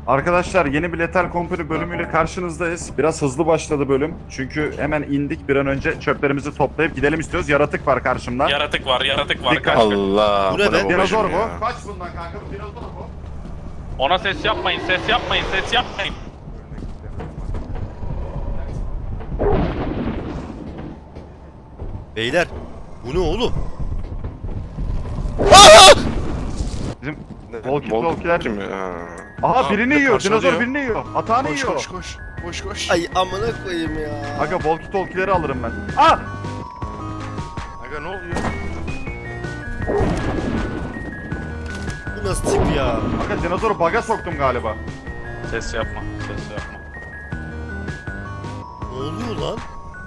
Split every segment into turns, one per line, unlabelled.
Arkadaşlar yeni bir Lethal Company bölümüyle karşınızdayız. Biraz hızlı başladı bölüm. Çünkü hemen indik bir an önce çöplerimizi toplayıp gidelim istiyoruz. Yaratık var karşımda.
Yaratık var, yaratık var.
Dikkat.
Kaç.
Allah.
Bu ne be?
Dinozor
babacım
bu.
ya?
Kaç bundan kanka? Bu dinozor bu.
Ona ses yapmayın, ses yapmayın, ses yapmayın.
Beyler bu ne oğlum?
Bizim
Ne?
walkie talkie'ler.
Kim ya?
Aha birini
Aa,
yiyor.
parçalıyor.
Dinozor birini yiyor. Atağını
Koş
yiyor.
koş koş. Koş koş.
Ay amına koyayım ya.
Aga walkie talkie'leri alırım ben. Ah!
Aga ne oluyor?
Bu nasıl tip ya?
Aga dinozoru baga soktum galiba.
Ses yapma, ses yapma.
Ne oluyor lan?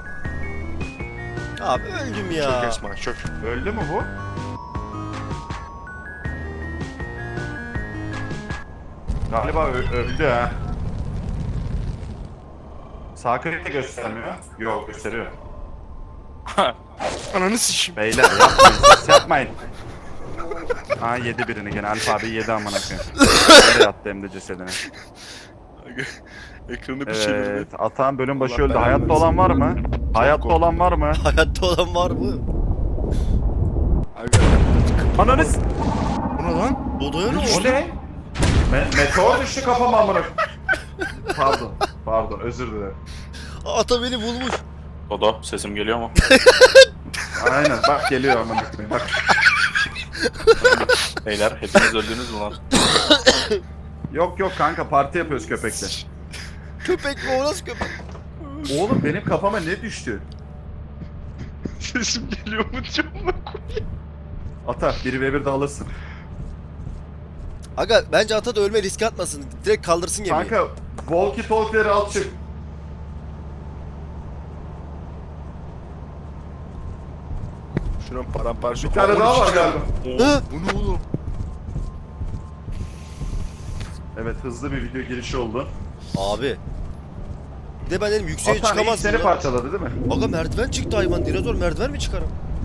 Abi öldüm ya.
Çök Esma çök.
Öldü mü bu? Galiba öldü ha. Sağ klik de göstermiyor. Yok gösteriyor.
Ananı sikeyim.
Beyler yapmayın, ses yapmayın. Ha yedi birini gene. Alfa abi yedi amına koyayım. Nereye attı hem de cesedini.
Aga ekranı bir çevirdi.
Evet, Atan bölüm başı
Allah
öldü.
belanı
Hayatta
versin.
olan var mı? Hayatta
korktum.
olan var mı?
Hayatta olan var mı?
Aga.
Ananız!
Bu ne lan?
Odaya ne
O
oldu?
ne? Meteor düştü kafama amına. Pardon, pardon özür dilerim.
Ata beni bulmuş.
Dodo, sesim geliyor mu?
Aynen bak geliyor amına koyayım. Bak.
Beyler, hepiniz öldünüz mü lan?
Yok yok kanka parti yapıyoruz köpekle.
Köpek mi o nasıl köpek?
Oğlum benim kafama ne düştü?
Sesim geliyor mu diyorum.
Ata 1v1 de alırsın.
Aga bence ata da ölme riske atmasın. Direkt kaldırsın gemiyi.
Kanka walkie talkie'leri al çık.
Şuran paramparça.
Bir tane daha var galiba.
Hı?
Bu ne oğlum?
Evet hızlı bir video girişi oldu.
Abi. Bir de ben dedim yükseğe
Atan ilk
çıkamazsın
seni
ya.
parçaladı değil mi?
Aga merdiven çıktı hayvan. Dinozor merdiven mi çıkarım?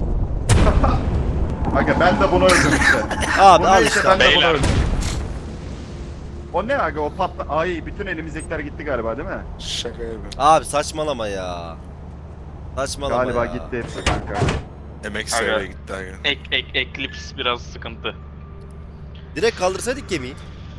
Aga ben de bunu öldüm işte.
Abi
Bu
al
neyse
işte.
ben de bunu
Beyler.
öldüm. O ne aga o patla... Ay bütün elimizdekiler gitti galiba değil mi?
Şaka yapıyorum.
Abi saçmalama ya. Saçmalama
Galiba
ya.
gitti hepsi kanka.
Emek
Aga.
seviyeye gitti aga.
Eclipse biraz sıkıntı.
Direkt kaldırsaydık gemiyi.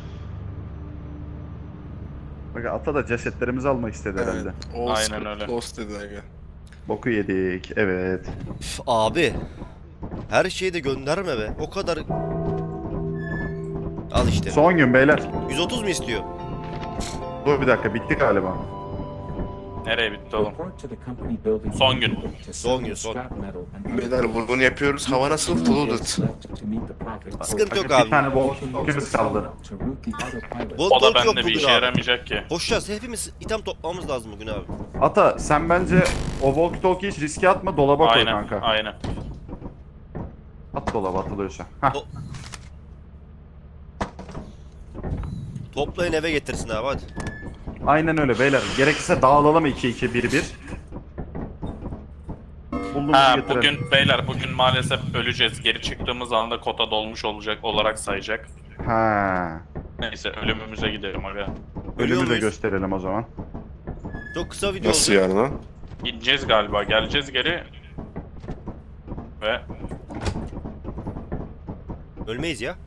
Aga ata da cesetlerimizi almak istedi herhalde.
Aynen öyle.
Lost dedi aga.
Boku yedik evet.
Üf, abi. Her şeyi de gönderme be. O kadar... Al işte.
Son gün beyler.
130 mu istiyor?
Dur bir dakika bitti galiba.
Nereye bitti oğlum? Son gün.
Son gün, son.
Beyler vurgun yapıyoruz. Hava nasıl? Flooded.
Sıkıntı yok
Aga, bir
abi.
tane walkie kaldı.
Volt
O da
yok
bende bir
bugün
işe
abi.
yaramayacak ki.
Koşacağız. Hepimiz item toplamamız lazım bugün abi.
Ata sen bence o walkie talkie hiç riske atma dolaba koy
Aynen,
kanka.
aynen.
At dolaba atılıyorsa. Hah.
To- Toplayın eve getirsin abi hadi.
Aynen öyle beyler. Gerekirse dağılalım 2-2-1-1. Bulduğumuzu
Ha
getirelim.
bugün beyler bugün maalesef öleceğiz. Geri çıktığımız anda kota dolmuş olacak olarak sayacak.
Ha.
Neyse ölümümüze gidelim aga.
Ölüyor
Ölümü de
muyuz?
gösterelim o zaman.
Çok kısa video
Nasıl
oldu.
yani lan?
Gideceğiz galiba. Geleceğiz geri. Ve
Ölmeyiz ya.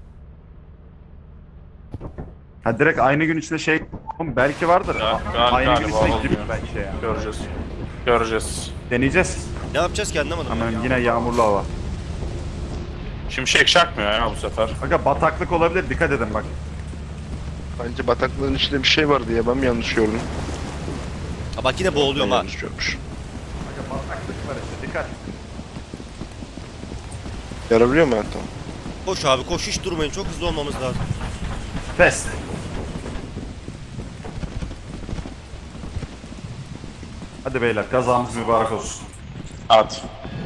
Ha direkt aynı gün içinde şey Oğlum belki vardır. Aynı gün
galiba
içinde
olmuyor.
gidip belki şey ya.
Göreceğiz. Göreceğiz.
Deneyeceğiz.
Ne yapacağız ki anlamadım.
Hemen yine yağmurlu hava.
Şimşek çakmıyor ya bu sefer.
Aga bataklık olabilir dikkat edin bak.
Bence bataklığın içinde bir şey vardı ya. Ben mi yanlış gördüm?
Ha bak yine boğuluyorum
Ben
ha.
yanlış görmüş.
Aga bataklık var işte dikkat.
Yarabiliyor mu hatta?
Koş abi koş hiç durmayın çok hızlı olmamız lazım.
Fest. Hadi beyler kazamız mübarek olsun.
At.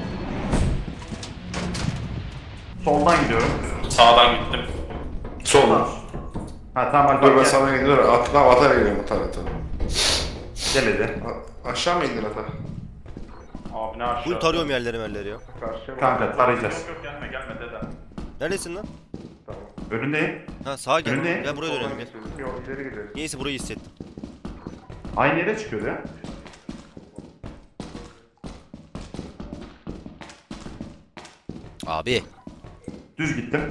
Soldan gidiyorum.
Sağdan gittim.
Soldan. Ha tamam
Dur ben
gel.
sana gidiyorum. Atara gidiyorum atara.
Gel hadi.
Aşağı mı indin ata?
Abi ne aşağı?
Bugün tarıyorum yerleri ya.
Karşıya
Kanka tarayacağız.
Yok yok gelme gelme dede.
Neredesin lan?
Tamam.
Önündeyim.
Ha sağa gel.
Önündeyim.
Gel buraya dönelim gel.
Yok ileri gidelim.
Niyeyse burayı hissettim.
Aynı yere çıkıyordu ya.
Abi.
Düz gittim.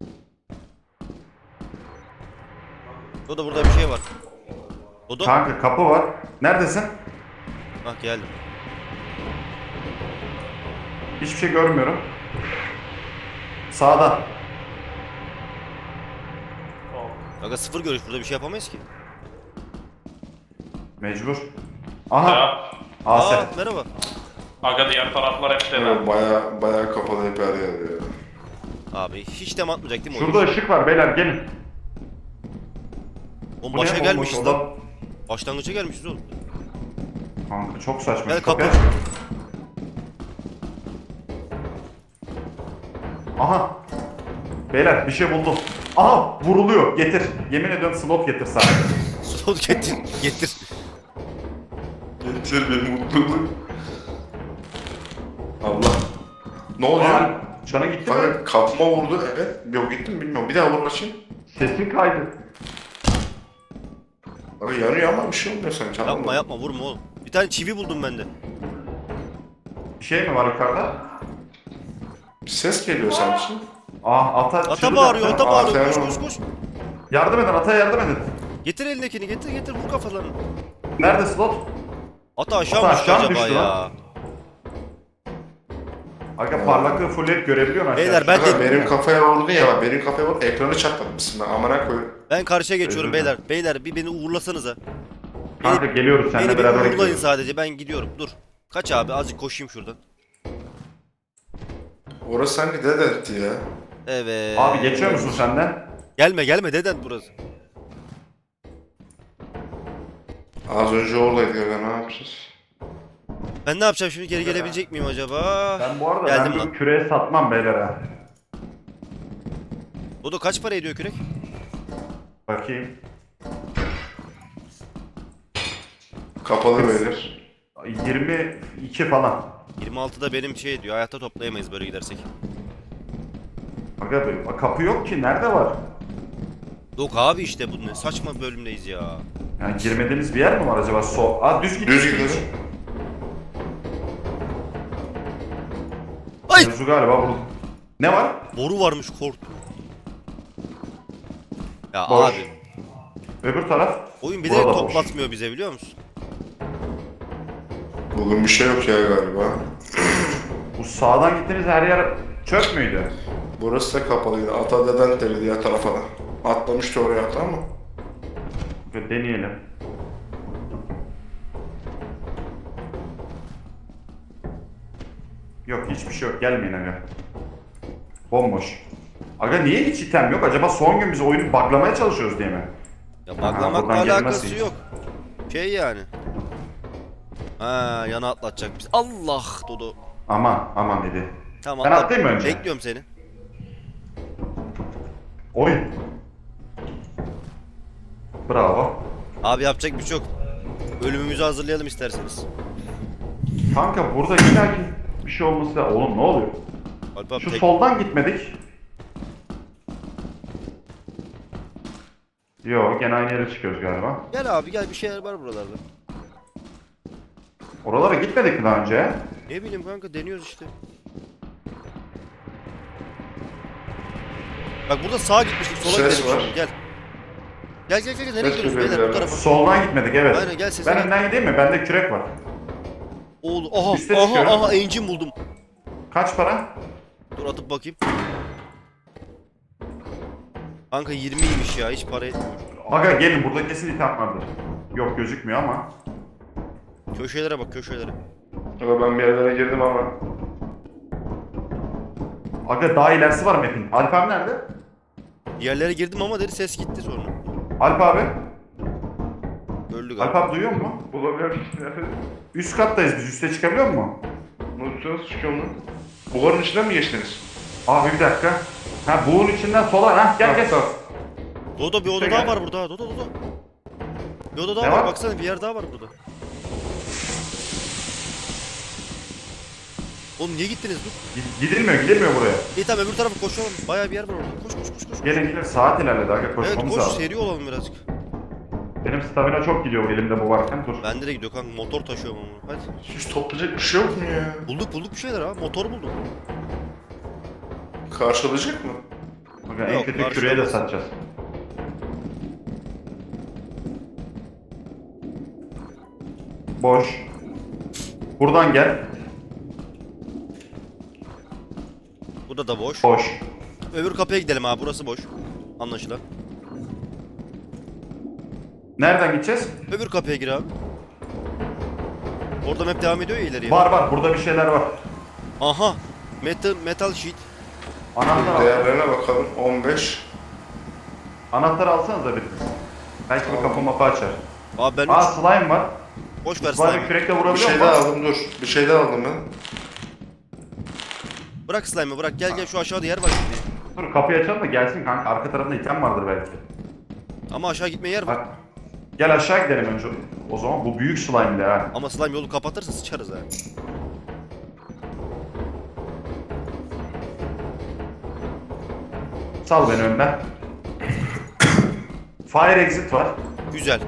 Dodo burada bir şey var. Dodo.
Kanka kapı var. Neredesin?
Bak geldim.
Hiçbir şey görmüyorum. Sağda.
Aga sıfır görüş, burada bir şey yapamayız ki.
Mecbur. Aha.
Ya.
AS.
Merhaba.
Aga diğer taraflar hep de.
Evet, baya kapalı hep her yer ya.
Abi hiç dem atmayacak değil mi?
Şurada ışık var beyler gelin.
Oğlum
Bu ne?
başa
Bomboş
gelmişiz
oda.
lan. Başlangıça gelmişiz oğlum.
Kanka çok saçma.
Gel
Şu kapıyı
kapı.
aç. Aha. Beyler bir şey buldum. Aha vuruluyor. Getir. Yemin ediyorum slot getir sadece.
Slot getir. Getir.
Getir bir mutluluk. Allah. Ne oluyor?
Aa, Cana gitti mi?
Kanka kapıma vurdu, evet. Yok gitti mi bilmiyorum. Bir daha vur bakayım.
Sesin kaydı.
Kanka yanıyor ama bir şey olmuyor sanki. anladın
Yapma
mı?
yapma vurma oğlum. Bir tane çivi buldum ben de.
Bir şey mi var yukarıda?
Bir ses geliyor sanki.
Ata
Ata
çığlık
bağırıyor,
attı.
ata bağırıyor. Koş
sen-
koş koş.
Yardım edin, ataya yardım edin.
Getir elindekini, getir vur kafalarını.
Nerede slot?
Ata aşağı
Ata
mı düştü
aşağı mı
acaba
düştü
ya?
lan? Aga parlaklığı fullleyip görebiliyor musun?
Beyler, ben
Kanka
de-
benim kafaya vurdu ya bak. Benim kafaya vurdu. Ekranı çatlatmışsın ben. Amına koyayım.
Ben karşıya geçiyorum
Özür dilerim.
beyler. Beyler bir beni uğurlasanıza.
Kanka geliyoruz seninle
Beni bir
beraber
uğurlayın
gidiyoruz.
sadece, ben gidiyorum. Dur. Kaç abi, azıcık koşayım şuradan.
Orası sanki dede etti ya.
Evet.
Abi geçiyor musun senden?
Gelme deden burası.
Az önce oradaydı ya, ne yapacağız?
Ben ne yapacağım şimdi, geri gelebilecek miyim acaba?
Ben bu arada
Geldim
ben
lan.
bu küreği satmam beyler ha.
Dodo kaç para ediyor kürek?
Bakayım.
Kapalı beyler.
22 falan.
26'da benim şey diyor, hayatta toplayamayız böyle gidersek.
Aga kapı yok ki, nerede var?
Yok abi, işte bu ne saçma bölümdeyiz ya.
Yani girmediğimiz bir yer mi var acaba? Düz git.
Düz gidiyoruz.
Ay!
Mevzu galiba burada. Ne var?
Boru varmış, korktum. Ya
Boş.
abi,
Öbür taraf.
oyun bir de
Burada boş.
toplatmıyor bize, biliyor musun?
Bugün bir şey yok ya galiba.
Bu sağdan gittiğimiz her yer çöp müydü?
Burası da kapalıydı. Ata deden dedi diğer tarafa da. Atlamıştı oraya ata ama.
Bir deneyelim. Yok hiçbir şey yok. Gelmeyin aga. Bomboş. Aga niye hiç item yok? Acaba son gün biz oyunu buglamaya çalışıyoruz diye mi?
Ya
buradan
baglamakla
gelmez
alakası
hiç.
yok. Şey yani. Ha, yana atlatacak biz. Allah Dodo.
Aman dedi.
Tamam,
Ben
atla.
atlayayım mı önce?
Bekliyorum seni.
Oy. Bravo.
Abi yapacak bir şey yok. Ölümümüzü hazırlayalım isterseniz.
Kanka burada illaki bir şey olması da... Oğlum ne oluyor?
Alp abi
Şu
tek...
soldan gitmedik. Yo gene aynı yere çıkıyoruz galiba.
Gel abi gel, bir şeyler var buralarda.
Oralara gitmedik mi daha önce?
Ne bileyim kanka, deniyoruz işte. Bak burada sağa gitmiştik, sola
Ses
gidelim
var.
şimdi, gel. Gel nereye
Ses
gidiyoruz
geliyor
beyler, bu
bir
tarafa.
Soldan gitmedik evet.
Aynen, gel sesine.
Ben önden gideyim mi? Bende kürek var.
Oğlum
Üste
aha
çıkıyorum.
engine buldum.
Kaç para?
Dur atıp bakayım. Kanka 20'ymiş ya, hiç para etmiyor.
Aga gelin burada kesin item vardır. Yok gözükmüyor ama.
Köşelere bak, köşelere.
Ama ben bir yerlere girdim ama.
Aga daha ilerisi var map'in. Alp abi nerede?
Yerlere girdim ama dedi, ses gitti sonra.
Alp abi.
Öldü
Alp
galiba.
abi duyuyor musun?
Bulamıyorum işte.
Üst kattayız biz. Üste çıkabiliyor musun?
Nasıl çıkıyorum lan? Buharın içinden mi geçtiniz?
Abi bir dakika. Ha buğun içinden sola. Ha gel.
Tamam.
Dodo bir
İşte
oda daha
gel.
var burada. Dodo. Bir oda daha
Ne
var.
var?
Baksana, bir yer daha var burada. Oğlum niye gittiniz dur.
Gidilmiyor buraya.
İyi tamam öbür tarafa koşalım. Bayağı bir yer var orada. Koş koş koş koş.
Gelin saat ilerledi aga
Evet
koşmamız
koş
lazım.
seri olalım birazcık.
Benim stamina çok gidiyor elimde bu varken dur.
Bende de gidiyor kanka motor taşıyorum ama. Hadi.
Hiç toplayacak bir şey yok mu ya?
Bulduk bir şeyler ha. Motor buldum.
Karşılayacak mı?
Aga, en
Yok,
kötü
karşılamaz.
küreye de satacağız. Boş. Buradan gel.
Burada da boş.
Boş.
Öbür kapıya gidelim abi burası boş. Anlaşılan.
Nereden gideceğiz?
Öbür kapıya gir abi. Orada map devam ediyor ya ileriye.
Var burada bir şeyler var.
Aha. Metal sheet.
Anahtar al.
Değerlerine bakalım. 15.
Anahtar alsanıza biriniz. Belki bir kapı mapı açar.
Abi ben
Aa
3.
slime var.
Boş ver
Slime'ı
slime.
kürekle
Bir
vurabiliyor
şey
musun?
daha aldım dur. Bir şey daha aldım ben.
Bırak slime'ı bırak. Gel şu aşağıda yer var gitmeye.
Dur kapıyı açalım da gelsin kanka. Arka tarafında item vardır belki.
Ama aşağı gitmeye yer var.
Bak. Gel aşağı gidelim önce. O zaman bu büyük slime ha.
Ama slime yolu kapatırsa sıçarız ha.
Sal beni önden. Fire exit var.
Güzel.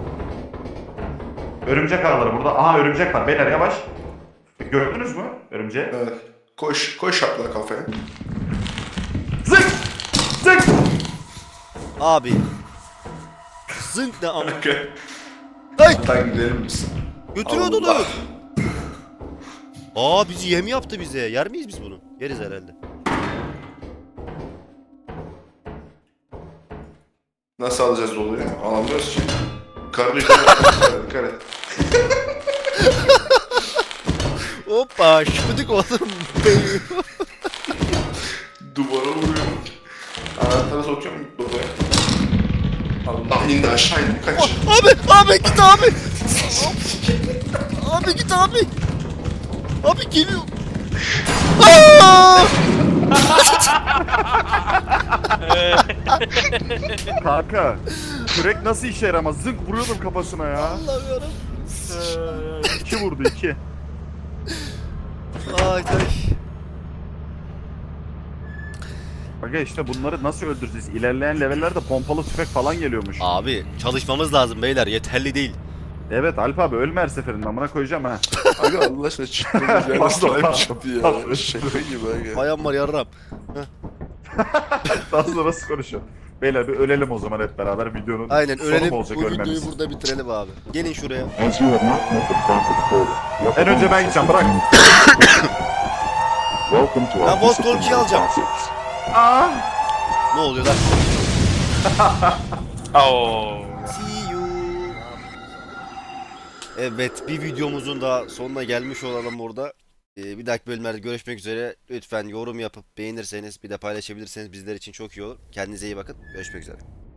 Örümcek ağları burada. Aha örümcek var. Beyler yavaş. Gördünüz mü örümceği?
Evet. Koş şapla kafaya.
Zık! Zık!
Abi. Zınk ne ama.
Okey.
Hay!
Hatta gidelim biz.
Götürüyordu
Allah.
onu. Aa bizi yem yaptı bize. Yer miyiz biz bunu? Yeriz herhalde.
Nasıl alacağız doluyu? Alamıyoruz ki. Karlı dikkat et.
Hoppa şıpıdık oğlum.
Duvara vuruyorum. Anahtarı sokuyorum doluya. Allah indi aşağı indi kaç.
Abi git abi. Abi git abi. Abi geliyor. Aa!
Kanka. Kürek nasıl işe yaramaz? Zınk vuruyordum kafasına ya.
Allah'ım yarabbim.
2 vurdu 2.
Ay ay.
Aga işte bunları nasıl öldüreceğiz? İlerleyen levellerde pompalı tüfek falan geliyormuş.
Abi çalışmamız lazım beyler yeterli değil.
Evet Alp abi ölme her seferinde amına koyacağım ha.
Aga Allah aşkına çıktığımız yerde
Pardon,
slime
pardon.
çıktı ya. Şaka gibi aga.
Bayan var yarram.
Daha sonra nasıl konuşuyor? Beyler bir ölelim o zaman hep beraber videonun
Aynen
sonu
ölelim.
mu olacak
Bu videoyu
ölmemiz?
burada bitirelim abi. Gelin şuraya.
As you have not met the profit quota,
En önce ben gideceğim bırak.
welcome to
Ben
our
Volt
disciplinary
Golgi'yi alacağım.
process.
Aa!
Ne oluyor lan?
Oo.
See you. Evet bir videomuzun da sonuna gelmiş olalım burada. Bir dahaki bölümlerde görüşmek üzere. Lütfen yorum yapıp beğenirseniz bir de paylaşabilirseniz bizler için çok iyi olur. Kendinize iyi bakın. Görüşmek üzere.